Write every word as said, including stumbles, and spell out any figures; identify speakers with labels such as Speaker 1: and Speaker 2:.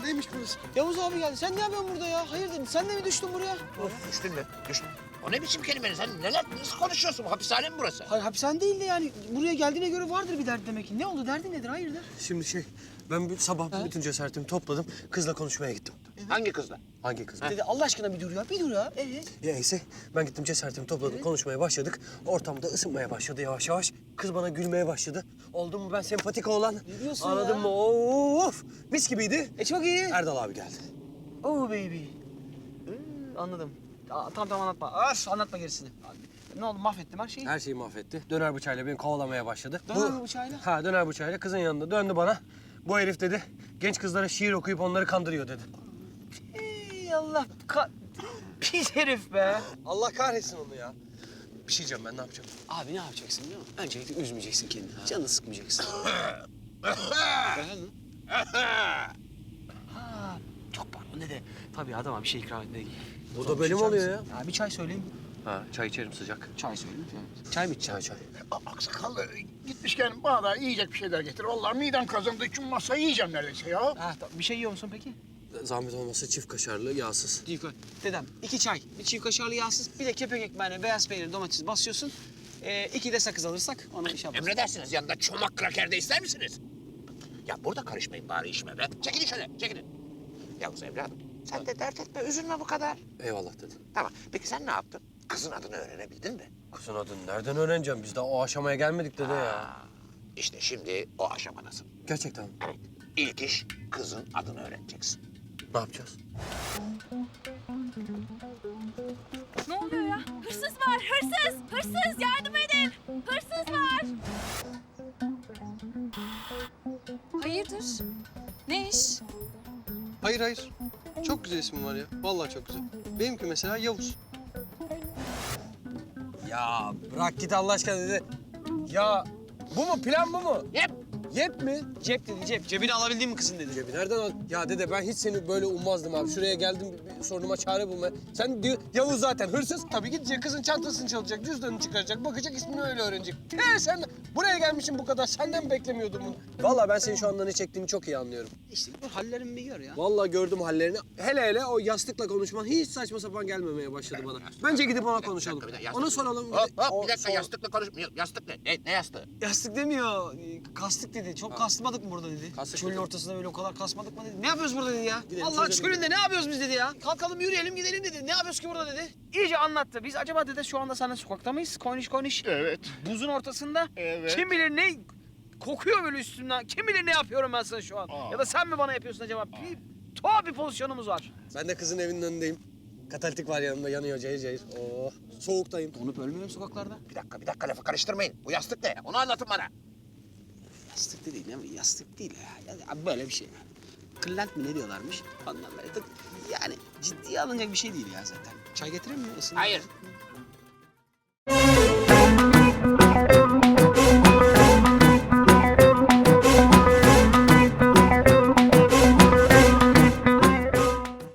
Speaker 1: Neymiş burası?
Speaker 2: Yavuz abi geldi. Sen ne yapıyorsun burada ya? Hayırdır? Sen de mi düştün buraya?
Speaker 3: Düştün mü? Düştün. O ne biçim kelime? Sen neler, nasıl konuşuyorsun? Hapishane mi burası?
Speaker 2: Hayır hapishane değil de yani buraya geldiğine göre vardır bir dert demek ki. Ne oldu? Derdin nedir? Hayırdır?
Speaker 1: Şimdi şey, ben bir sabah bütün cesaretimi topladım. Kızla konuşmaya gittim.
Speaker 3: Hangi kızla?
Speaker 1: Hangi kız?
Speaker 2: Dedi Allah aşkına bir dur ya. Bir dur ya. Ee?
Speaker 1: Ya neyse, ben gittim cesaretimi topladım, konuşmaya başladık. Ortamda ısınmaya başladı yavaş yavaş. Kız bana gülmeye başladı. Oldu mu ben sempatik oğlan?
Speaker 2: Ne diyorsun
Speaker 1: Anladın
Speaker 2: ya?
Speaker 1: mı? Of! Mis gibiydi.
Speaker 2: E çok iyi.
Speaker 1: Erdal abi geldi.
Speaker 2: Oh baby. Ee, anladım. Aa, tamam tamam anlatma. Öf, anlatma gerisini. Ne oldu? Mahvettim her şeyi.
Speaker 1: Her şeyi mahvetti. Döner bıçağıyla beni kovalamaya başladı.
Speaker 2: Döner bıçağıyla?
Speaker 1: Ha, döner bıçağıyla kızın yanında döndü bana. Bu herif dedi, genç kızlara şiir okuyup onları kandırıyor dedi.
Speaker 2: Ey Allah. Ka Pis herif be.
Speaker 1: Allah kahretsin onu ya. Bir şey diyeceğim ben, ne yapacağım?
Speaker 2: Abi ne yapacaksın biliyor musun? Öncelikle üzmeyeceksin kendini. Canını sıkmayacaksın. Efendim? Ha, çok pardon ne de. Tabii adama bir şey ikram etmeye
Speaker 1: Bu da benim oluyor ya.
Speaker 2: Ya bir çay söyleyeyim.
Speaker 1: Ha, çay içerim sıcak.
Speaker 2: Çay söyleyeyim. Çay mı içeceksin?
Speaker 1: Çay çay.
Speaker 3: Aksakallı gitmişken bana da yiyecek bir şeyler getir. Vallahi midem kazındığı için masayı yiyeceğim neredeyse ya.
Speaker 2: Ha, tamam. Bir şey yiyor musun peki?
Speaker 1: Zahmet olmasa çift kaşarlı, yağsız.
Speaker 2: Değil koy. Dedem iki çay, bir çift kaşarlı yağsız, bir de kepek ekmeğine beyaz peynir, domates basıyorsun. Ee, iki de sakız alırsak onu iş yaparız.
Speaker 3: Emredersiniz, yanında çomak kraker de ister misiniz? Ya burada karışmayın bari işime be. Çekilin şöyle, çekilin. Yavuz evladım, sen de dert etme, üzülme bu kadar.
Speaker 1: Eyvallah dedi.
Speaker 3: Tamam, peki sen ne yaptın? Kızın adını öğrenebildin mi?
Speaker 1: Kızın adını nereden öğreneceğim? Biz daha o aşamaya gelmedik dede ya.
Speaker 3: Aa, İşte şimdi o aşamadasın.
Speaker 1: Gerçekten mi?
Speaker 3: Evet, ilk iş kızın adını öğreneceksin.
Speaker 1: Ne yapacağız?
Speaker 4: Ne oluyor ya? Hırsız var, hırsız! Hırsız, yardım edin! Hırsız var! Hayırdır? Ne iş?
Speaker 5: Hayır hayır. Çok güzel ismin var ya. Vallahi çok güzel. Benimki mesela Yavuz.
Speaker 1: Ya bırak git Allah aşkına dede. Ya bu mu? Plan bu mu?
Speaker 3: Yep.
Speaker 1: Yep mi?
Speaker 2: Cep dedi cep. Cebini alabildin mi kızın dedi.
Speaker 1: Cebi nereden al? Ya dede ben hiç seni böyle ummazdım abi. Şuraya geldim bir, bir sorunuma çare bulmaya. Sen diyor Yavuz zaten hırsız. Tabii gidecek kızın çantasını çalacak, cüzdanını çıkaracak, bakacak ismini öyle öğrenecek. He sen buraya gelmişsin bu kadar. Senden mi beklemiyordum bunu? Vallahi ben senin şu anda ne çektiğini çok iyi anlıyorum.
Speaker 2: İşte bu hallerimi bir gör ya.
Speaker 1: Vallahi gördüm hallerini. Hele hele o yastıkla konuşman hiç saçma sapan gelmemeye başladı bana. Bence gidip ona konuşalım.
Speaker 3: Bir dakika, bir dakika,
Speaker 1: Ona soralım.
Speaker 3: Hop hop,
Speaker 1: O
Speaker 3: bir dakika,
Speaker 1: sor-
Speaker 3: yastıkla konuş. Yastık ne? Ne, ne yastığı?
Speaker 2: Yastık demiyor. e, Kastık dedi. Çok kasmadık mı burada dedi.
Speaker 1: Kastık
Speaker 2: Çölün
Speaker 1: dedi.
Speaker 2: ortasında böyle o kadar kasmadık mı dedi. Ne yapıyoruz burada dedi ya.
Speaker 1: Gidelim,
Speaker 2: Allah
Speaker 1: çözelim.
Speaker 2: çölünde ne yapıyoruz biz dedi ya. Kalkalım yürüyelim gidelim dedi. Ne yapıyoruz ki burada dedi. İyice anlattı. Biz acaba dedi şu anda seninle sokakta mıyız? Koyniş koyniş.
Speaker 3: Evet.
Speaker 2: Buzun ortasında.
Speaker 3: Evet.
Speaker 2: Kim bilir ne kokuyor böyle üstümden. Kim bilir ne yapıyorum ben sana şu an.
Speaker 3: Aa.
Speaker 2: Ya da sen mi bana yapıyorsun acaba? Bir tuhaf bir pozisyonumuz var.
Speaker 1: Ben de kızın evinin önündeyim. Katalitik var yanımda, yanıyor cayır cayır. Oh, soğuktayım.
Speaker 2: Donup ölmüyorum sokaklarda.
Speaker 3: Bir dakika, bir dakika, lafı karıştırmayın. Bu yastık ne? Onu anlatın bana.
Speaker 2: Yastık değil ne mi? Yastık değil ya. ya. Böyle bir şey. Kırlent mi ne diyorlarmış? Ondan böyle de yani ciddiye alınacak bir şey değil ya zaten. Çay getireyim mi? Isınır.
Speaker 3: Hayır,